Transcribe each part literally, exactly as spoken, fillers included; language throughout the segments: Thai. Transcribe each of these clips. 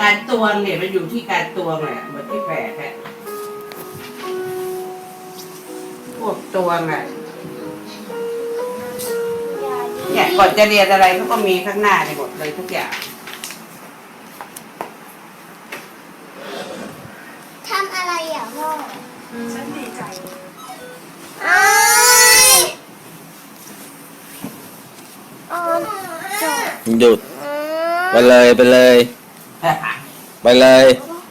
การตวงเนี่ยมันอยู่ที่การตวงแหละเหมือนที่แฝดแหละพวกตวงอ่ะเนี่ยก่อนจะเรียนอะไรเขาก็มีข้างหน้าในหมดเลยทุกอย่างทำอะไรอ่ะพ่อฉันดีใจหยุดไปเลยไปเลยไปเลย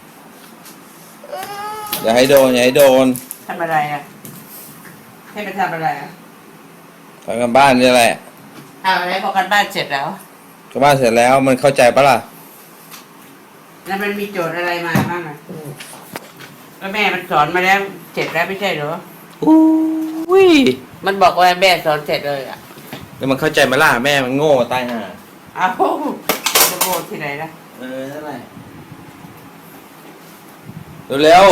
อย่าให้โดนอย่าให้โดนทำอะไรอ่ะให้ไปทำอะไรอ่ะทำกันบ้านนี่แหละเอาอะไรพอกันบ้านเสร็จแล้วกันบ้านเสร็จแล้วมันเข้าใจปะล่ะแล้วมันมีโจทย์อะไรมาบ้างอ่ะแล้วแม่มันสอนมาแล้วเสร็จแล้วไม่ใช่เหรออุ้ยมันบอกว่าแม่สอนเสร็จเลยอ่ะแล้วมันเข้าใจไหมล่ะแม่มันโง่ตายห่าอ้าวจะโง่ที่ไหนล่ะเออนั่นแหละเร็ว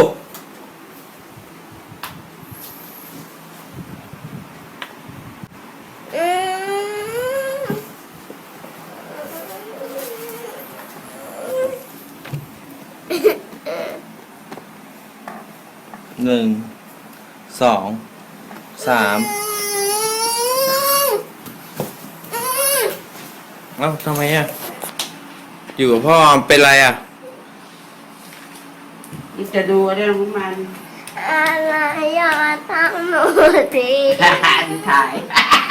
หนึ่งสองสามเอ้าทำไมอ่ะอยู่กับพ่อเป็นไรอ่ะมันจะดูเรื่องของมันอะไรอย่าทำหนูสิถ่าย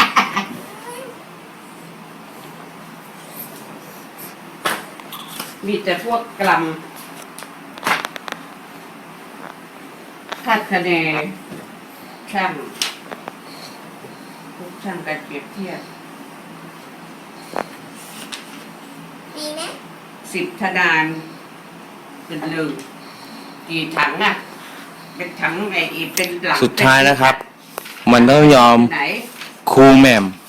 มีแต่พวกกลัมคาดคะเนช่างพวกช่างการเปรียบเทียบดีไหมสิบธนานเป็นหนึ่งกี่ถังอ่ะเป็นถังไอ้เป็นหลังสุดท้ายนะครับมันต้องยอมไหนครูแหม่ม